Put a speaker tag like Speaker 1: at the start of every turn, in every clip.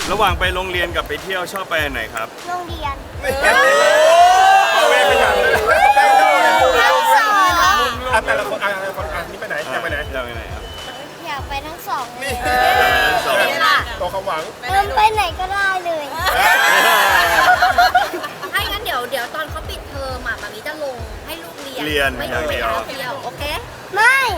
Speaker 1: ระหว่างไปโรงเรียนกับไปเที่ยวชอบไปอันไหนครับ
Speaker 2: โรงเรียน
Speaker 3: เอาเวรไปอย่างเลย
Speaker 2: ทั้งสอง
Speaker 3: แต่ละคนนี่ไปไหนอยากไปไหน
Speaker 1: อยากไปไหนครับ
Speaker 2: อยากไปทั้งสองเลย
Speaker 1: สอง
Speaker 3: ตัวความหวัง
Speaker 2: ไปไหนก็ได้เลย
Speaker 4: ถ้างั้นเดี๋ยวตอนเขาปิดเทอมอ่ะมามีจะลงให้ลูกเรียน
Speaker 1: เรียน
Speaker 4: ไม่
Speaker 1: อย่าง
Speaker 4: ไป
Speaker 1: เดียว
Speaker 4: เที่ยวโอเค
Speaker 2: ไม่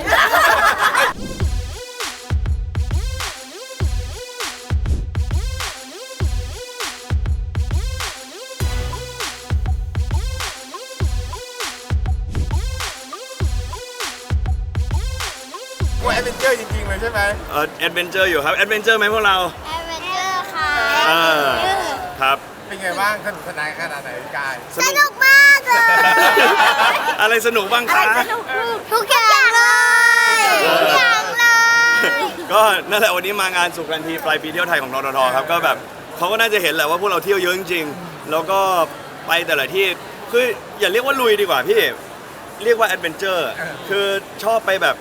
Speaker 3: ว่าแอดเวนเจอร์จริงๆเลยใช่ไหม
Speaker 1: แอดเวนเจอร์อยู่ครับแอดเวนเจอร์ไหมพวกเรา
Speaker 2: แอดเวนเจอร์ค่ะ
Speaker 1: ครับ
Speaker 3: เป็นไงบ้างสนุกสนานขนาดไหนกาย
Speaker 1: ส
Speaker 2: ส
Speaker 1: นุก
Speaker 2: นุกมากเลย
Speaker 1: อะไรสนุกบ้างคะ
Speaker 2: ทุกอย่างเลยทุกอย่างเลย
Speaker 1: ก็นั่นแหละวันนี้มางานสุขกันทีปลายปีเที่ยวไทยของทททครับก็แบบเขาก็น่าจะเห็นแหละว่าพวกเราเที่ยวเยอะจริงๆแล้วก็ไปแต่ละที่คืออย่าเรียกว่าลุยดีกว่าพี่เรียกว่าแอดเวนเจอร์คือชอบไปแบบ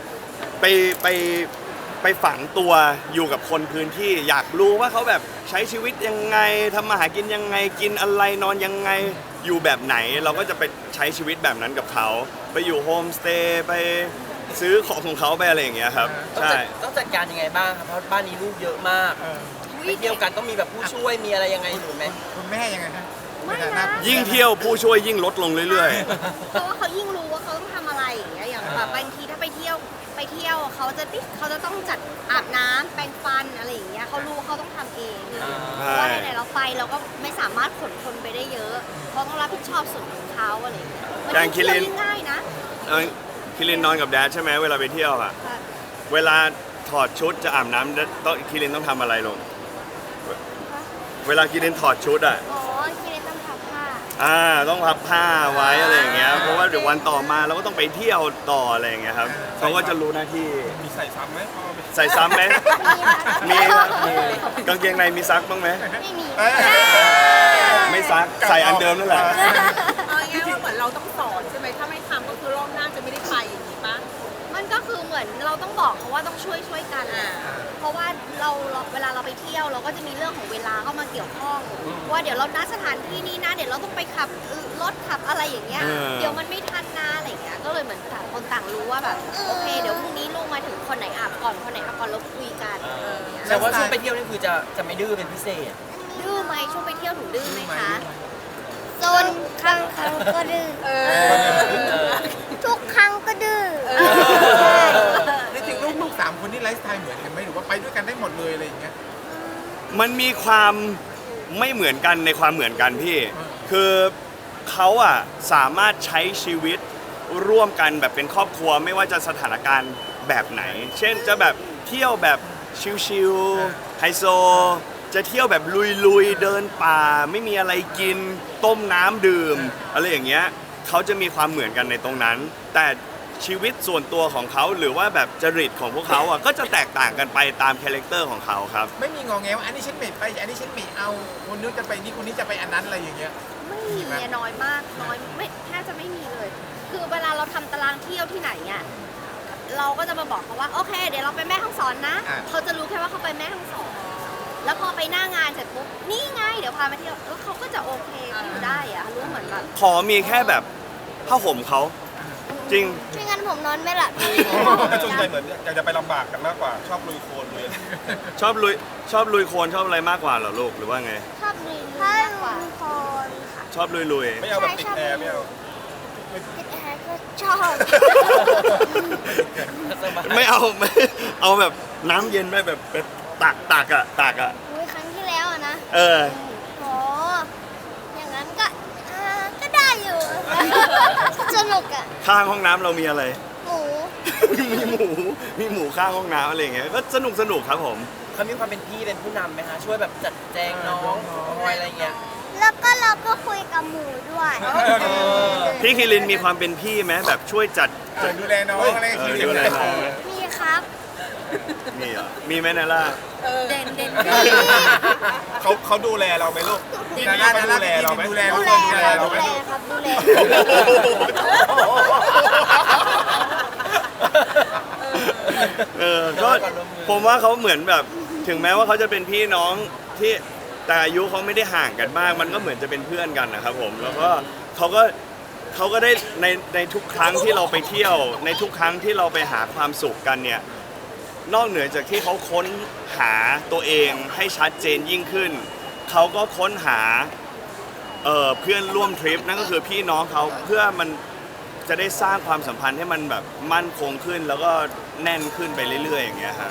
Speaker 1: ไปฝังตัวอยู่กับคนพื้นที่อยากรู้ว่าเขาแบบใช้ชีวิตยังไงทำมาหากินยังไงกินอะไรนอนยังไงอยู่แบบไหน เราก็จะไปใช้ชีวิตแบบนั้นกับเขาไปอยู่โฮมสเตย์ไปซื้อของเขาไปอะไรอย่างเงี้ยครับใช่
Speaker 5: ต้องจัดการยังไงบ้างครับเพราะบ้านนี้ลูกเยอะมากไปเที่ยวกันต้องมีแบบผู้ช่วยมีอะไรยังไงหรือไหม
Speaker 3: คุณแม่ยังไงฮะ
Speaker 4: ไม่นะ
Speaker 1: ยิ่งเที่ยวผู้ช่วยยิ่งลดลงเรื่อย
Speaker 4: เพราะว่าเขายิ่งรู้ว่าเขาต้องทำอะไรอย่างเงี้ยอย่างแบบบางทีถ้าไปเที่ยวเขาจะต้องจัดอาบน้ำแปรงฟันอะไรอย่างเงี้ยเขารู้เขาต้องทำเองเพราะว่าไหนๆเราไปเราก็ไม่สามารถขนคนไปได้เยอะเขาต้องรับผิดชอบส่วนของเขาอะไรอย่างเงี้ยมันเที่ยวง่ายนะ
Speaker 1: ๆคิรินนอนกับแดดใช่ไหมเวลาไปเที่ยวอะเวลาถอดชุดจะอาบน้ำต้องคิรินต้องทำอะไรลงเวลาคิรินถอดชุดอะ
Speaker 2: อ๋อคิดเลยต้องทำผ้า
Speaker 1: ต้องพับผ้าไว้อะไรอย่างเงี้ยเพราะว่าเดี๋ยววันต่อมาเราก็ต้องไปเที่ยวต่ออะไรอย่างเงี้ยครับเขาก็จะรู้หน้าที่
Speaker 3: มีใส่ซ้ำไหม
Speaker 1: ใส่ซ้ำไหมมีครับมีกางเกงในมีซักบ้างไหม
Speaker 2: ไม่มี
Speaker 1: ไม่ซักใส่อันเดิมนั่นแหละ
Speaker 6: เอาง่ายๆว่าเหมือนเราต้องสอนใช่ไหมถ้าไม่ทำก็คือรอบหน้าจะไม่ได้ไปอย่างนี้ปะ
Speaker 4: มันก็คือเหมือนเราต้องบอกเขาว่าต้องช่วยกัน เพราะว่าเราเวลาเราไปเที่ยวเราก็จะมีเรื่องของเวลาเข้ามาเกี่ยวข้อง ว่าเดี๋ยวเรานัดสถานที่นี้นะเดี๋ยวเราต้องไปขับรถขับอะไรอย่างเงี้ย เดี๋ยวมันไม่ทันนะอะไรอย่างเงี้ยก็เลยเหมือนต่างคนต่างรู้ว่าแบบโอเคเดี๋ยวพรุ่งนี้ลูกมาถึงคนไหนอาบก่อนคนไหนอาบก่อนเราคุยกันอย่างเงี้ย
Speaker 5: แต่ว่าช่วงไปเที่ยวนี่คือจะไม่ดื้อเป็นพิเศษ
Speaker 4: ดื้อไหมช่วงไปเที่ยวหนูดื้อไหมคะ
Speaker 2: โซนครั้งก็ดื้อทุกครั้งก็ดื้อ
Speaker 3: จริงๆลูกๆ3 คนนี่ไลฟ์สไตล์เหมือนกันไหมหรือว่าไปด้วยกันได้หมดเลยอะไรอย่างเงี้ย
Speaker 1: มันมีความไม่เหมือนกันในความเหมือนกันพี่คือเขาอะสามารถใช้ชีวิตร่วมกันแบบเป็นครอบครัวไม่ว่าจะสถานการณ์แบบไหน เช่นจะแบบเที่ยวแบบชิลๆไฮโซจะเที่ยวแบบลุยๆเดินป่าไม่มีอะไรกินต้มน้ำดื่มอะไรอย่างเงี้ยเขาจะมีความเหมือนกันในตรงนั้น แต่ชีวิตส่วนตัวของเขาหรือว่าแบบจริตของพวกเขาอ่ะก็จะแตกต่างกันไปตามคาแรคเตอร์ของเขาครับ
Speaker 3: ไม่มีงอแงว่าอันนี้ฉันไม่ไปอันนี้ฉันไม่เอาคนนู้นจะไปนี่คนนี้จะไปอันนั้นอะไรอย่างเงี้ย
Speaker 4: ไม่มีน้อยมากน้อยไม่แทบจะไม่มีเลย คือเวลาเราทำตารางเที่ยวที่ไหนอ่ะเราก็จะมาบอกเขาว่าโอเค เดี๋ยวเราไปแม่ฮ่องสอนนะ เขาจะรู้แค่ว่าเขาไปแม่ฮ่องสอนแล้วพอไปหน้างานเสร็จปุ๊บนี่ไงเดี๋ยวพามาเที่ยวแล้วเขาก็จะโอเคอยู่ได้อะรู้เหมือนแบบ
Speaker 1: ขอมีแค่แบบผ้าห่มเขาจริง
Speaker 2: ไม่งั้นผมนอนไม่หลับ
Speaker 3: แต่ส่วนใหญ่เหมือนอยากจะไปลำบากกันมากกว่าชอบลุยโคลนเลย
Speaker 1: ชอบลุยโคลนชอบอะไรมากกว่าเหรอลูกหรือว่าไง
Speaker 2: ชอบลุยถ้าลุยโคลนค่ะ
Speaker 1: ชอบลุย
Speaker 3: ไม่เอาแบบติดแอร์ไม่เอา
Speaker 2: ติดแอร์ก็ชอบ
Speaker 1: ไม่เอา ไม่เอาแบบน้ำเย็นไหมแบบตักอ่ะ
Speaker 2: อุ้ยครั้งที่แล้วอะนะ
Speaker 1: เออ
Speaker 2: โหอย่างนั้นก็ก็ได้อยู่ สนุกอะ
Speaker 1: ข้างห้องน้ำเรามีอะไร
Speaker 2: หมู
Speaker 1: มีหมูข้างห้องน้ำอะไรอย่างเงี้ยก็สนุกครับผม
Speaker 5: เขามีความเป็นพี่เป็นผู้นำไหมคะช่วยแบบจัดแจงน้องคอยอะไรเงี้ย
Speaker 2: แล้วก็เราก็คุยกับหมูด้วย
Speaker 1: พี่คิรินมีความเป็นพี่ไหมแบบช่วยจัด
Speaker 3: ดูแลน้องอะไร
Speaker 1: ดูแลน้องไหม
Speaker 2: มีครับ
Speaker 1: มีเหรอมีไหมนาล่า
Speaker 4: เด่นเด่น
Speaker 3: เขาดูแลเราไหมลูกนาน่าเขาดูแลเราไหม
Speaker 2: ดูแลครับดูแลครับดูแล
Speaker 1: ก็ผมว่าเขาเหมือนแบบถึงแม้ว่าเขาจะเป็นพี่น้องที่แต่อายุเขาไม่ได้ห่างกันมาก มันก็เหมือนจะเป็นเพื่อนกันนะครับผมแล้วก็เขาก็ได้ในทุกครั้งที่เราไปเที่ยวในทุกครั้งที่เราไปหาความสุขกันเนี่ยนอกเหนือจากที่เขาค้นหาตัวเองให้ชัดเจนยิ่งขึ้นเขาก็ค้นหาเพื่อนร่วมทริปนั่นก็คือพี่น้องเขาเพื่อมันจะได้สร้างความสัมพันธ์ให้มันแบบมั่นคงขึ้นแล้วก็แน่นขึ้นไปเรื่อยๆอย่างเงี้ยฮะ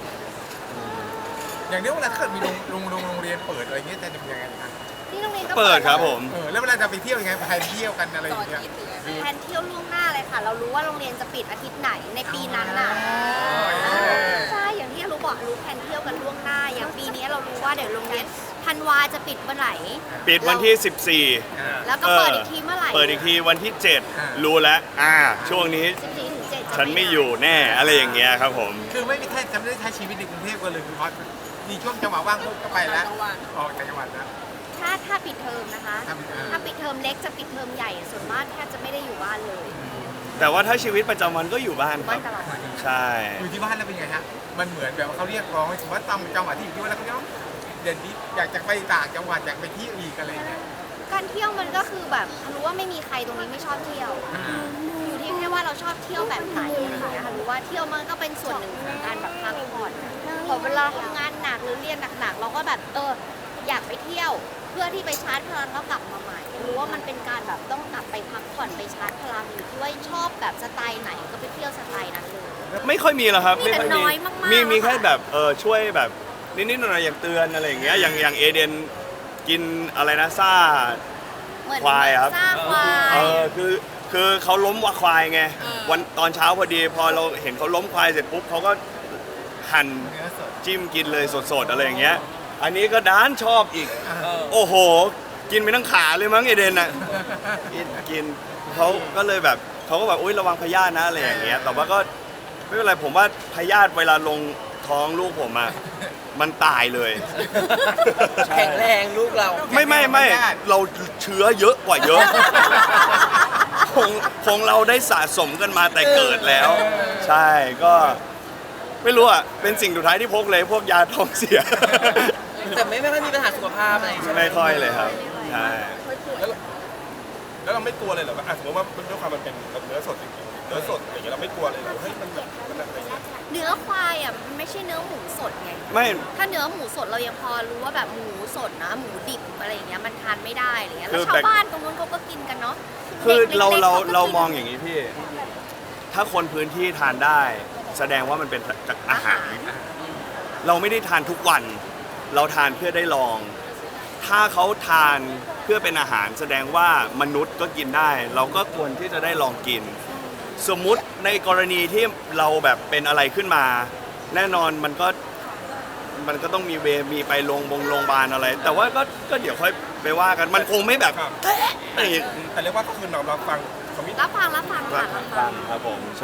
Speaker 3: อย่างนี้เวลาถ้าเกิดมีโรงเรียนเปิดอะไรเงี้ยจะทำยังไงคะ
Speaker 4: ที่โรงเรียนก็
Speaker 1: เปิดครับผม
Speaker 3: แล้วเวลาจะไปเที่ยวยังไงไปเที่ยวกันอะไรอย่างเงี้ย
Speaker 4: แทนเที่ยวล่วงหน้าเลยค่ะ เรารู้ว่าโรงเรียนจะปิดอาทิตย์ไหนในปีนั้นน่ะใช่อย่างที่รู้บอกรู้แทนเที่ยวกันล่วงหน้า อย่างปีนี้เรารู้ว่าเดี๋ยวโรงเรียนธันวาจะปิดเมื่อไหร่
Speaker 1: ปิดวันที่ 14
Speaker 4: แล้วก็เปิดอีกทีเมื่อไหร่
Speaker 1: เปิดอีกทีวันที่ 7 รู้แล้วช่วงนี้
Speaker 4: 14 ถึง 7
Speaker 1: ฉันไม่อยู่แน่อะไรอย่างเงี้ยครับผม
Speaker 3: คือไม่มีแค่จะไม่ได้ใช้ชีวิตในกรุงเทพกันเลยคือพอมีช่วงจังหวะว่างก็ไปแล้วออกจากจังหวัดแล้ว
Speaker 4: ถ้าปิดเทอมนะคะ ถ้าปิดเทอมเล็กจะปิดเทอมใหญ่ส่วนมากแทบจะไม่ได้อยู่บ้านเลย
Speaker 1: แต่ว่าถ้าชีวิตประจำวันก็อยู่บ้านค
Speaker 4: บ้า
Speaker 1: รั
Speaker 4: น
Speaker 1: บ
Speaker 4: ตลอด
Speaker 1: ใช่
Speaker 3: อยู่ที่บ้านแล้วเป็นไงฮะมันเหมือนแบบว่าเขาเรียกร้องถือว่าตามจังหวัดที่อยู่ที่บ้านแล้วเขาเรียกว่าเด่นนี้อยากจะไปต่างจังหวัดอยากไปที่อีกอะไรอย่างเงี้ย
Speaker 4: การเที่ยวมันก็คือแบบรู้ว่าไม่มีใครตรงนี้ไม่ชอบเที่ยว อยู่ที่แค่ว่าเราชอบเที่ยวแบบไหนอะไรอย่างเงี้ยค่ะรู้ว่าเที่ยวมันก็เป็นส่วนหนึ่งของการแบบพักผ่อนพอเวลาทำงานหนักหรือเรียนหนักๆเราก็แบบอยากไปเที่ยวเพื่อที่ไปชาร์จพลังแล้วกลับมาใหม่รู้ว่ามันเป็นการแบบต้องกลับไปพักผ่อนไปชาร์จพลังอยู่ที่ว่าชอบแบบสไตล์ไหนก็ไปเที่ยวสไตล์นั้นเลย
Speaker 1: ไม่ค่อยมีหรอกครับ
Speaker 4: มีแต่
Speaker 1: ไม่ค่อย
Speaker 4: น้อยมากๆ
Speaker 1: มีแค่
Speaker 4: ค่ะ
Speaker 1: แบบช่วยแบบนิดๆหน่อยๆอย่างเตือนอะไรอย่างเงี้ยอย่างเอเดนกินอะไรนะซ่า
Speaker 4: เหมือน
Speaker 1: ควายครับ
Speaker 4: สร้างควาย
Speaker 1: คือเขาล้มวัวควายไงวันตอนเช้าพอดีพอเราเห็นเขาล้มควายเสร็จปุ๊บเขาก็หั่น
Speaker 3: เนื้อสด
Speaker 1: จิ้มกินเลยสดๆอะไรอย่างเงี้ยอันนี้ก็ด้านชอบอีกโอ้โห กินไปทั้งขาเลยมั้งเอเดนอ่ะกินเขาก็เลยแบบเขาก็แบบอุ้ยระวังพยาธินะอะไรอย่างเงี้ยแต่ว่าก็ไม่เป็นไรผมว่าพยาธิเวลาลงท้องลูกผมอ่ะมันตายเลย
Speaker 5: แข็งแรงลูกเรา
Speaker 1: ไม่เราเชื้อเยอะกว่าเยอะ คงเราได้สะสมกันมาแต่เกิดแล้ว ใช่ก็ไม่รู้อ่ะเป็นสิ่งสุดท้ายที่พกเลยพวกยาท้องเสีย
Speaker 5: แต่ไม่ค่อยมีปัญหาสุขภาพอะไรใช่ไหม
Speaker 1: ไม่ค่อยเลยครับใช่
Speaker 7: แล้วเราไม่กลัวเลยเหรอว่าสมมติว่าด้วยความมันเป็นเนื้อสดจริงๆเนื้อสดอย่างเงี้ยเราไม่กลัวเลยเหรอเฮ้ยมันแบบมันอะไรเงี้ย
Speaker 4: เนื้อควายอ่ะมันไม่ใช่เนื้อหมูสดไง
Speaker 1: ไม่
Speaker 4: ถ้าเนื้อหมูสดเรายังพอรู้ว่าแบบหมูสดนะหมูดิบอะไรอย่างเงี้ยมันทานไม่ได้อะไรเงี้ย
Speaker 1: คื
Speaker 4: แล้ว
Speaker 1: อ
Speaker 4: ชาวบ้านตรงนู้นเขาก็กินกันเนาะ
Speaker 1: คือ
Speaker 4: ด็กๆ
Speaker 1: เรา
Speaker 4: ขก็กิน
Speaker 1: มองอย่างนี้พี่ ถ้าคนพื้นที่ทานได้ แสดงว่ามันเป็นจากอาหาร เราไม่ได้ทานทุกวัน เราทานเพื่อได้ลอง ถ้าเขาทานเพื่อเป็นอาหารแสดงว่ามนุษย์ก็กินได้ เราก็ควรที่จะได้ลองกิน สมมุติในกรณีที่เราแบบเป็นอะไรขึ้นมา แน่นอนมันก็ต้องมีไปโรงพยาบาลอะไร แต่ว่าก็เดี๋ยวค่อยไปว่ากันมันคงไม่แบบ
Speaker 7: ครับ
Speaker 1: อีก
Speaker 7: แต่เรียกว่าก็คือเราฟังคอมมิต
Speaker 4: รับฟังค่ะรับฟัง
Speaker 1: ครับผมใช่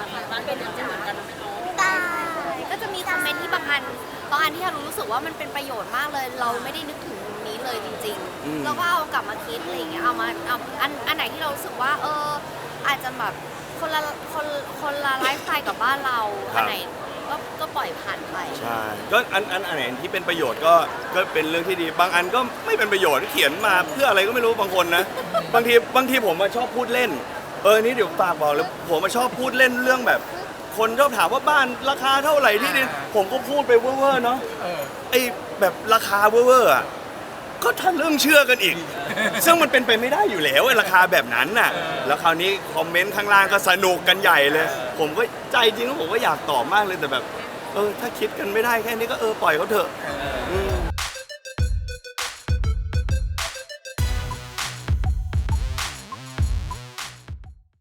Speaker 4: ได้ก็จะมีคอมเมนต์ที่บางอันที่เรารู้สึกว่ามันเป็นประโยชน์มากเลย เราไม่ได้นึกถึงมุมนี้เลยจริง
Speaker 1: อืม
Speaker 4: ๆเราก็เอากลับมาคิดอะไรอย่างเงี้ยเอาอันไหนที่เรารู้สึกว่าอาจจะแบบคนละไลฟ์สไตล์กับบ้านเราอันไหนก็ปล่อยผ่านไป
Speaker 1: ใช่ก็อันไหนที่เป็นประโยชน์ก็เป็นเรื่องที่ดี บางอันก็ไม่เป็นประโยชน์เขียนมาเพื่ออะไรก็ไม่รู้บางคนนะบางทีผมมาชอบพูดเล่นนี่เดี๋ยวฝากบอกเลยผมมาชอบพูดเล่นเรื่องแบบ คนชอบถามว่าบ้านราคาเท่าไหร่ที่ดินผมก็พูดไปเว่อร์ๆเนาะไอ้แบบราคาเว่อร์ๆอ่ะก็ถ้าเรื่องเชื่อกันอีก ซึ่งมันเป็นไปไม่ได้อยู่แล้วไอ้ราคาแบบนั้นน่ะแล้วคราวนี้คอมเมนต์ข้างล่างก็สนุกกันใหญ่เลย ผมก็ใจจริงแล้วผมก็อยากตอบมากเลยแต่แบบถ้าคิดกันไม่ได้แค่นี้ก็ปล่อยเขาเถอะ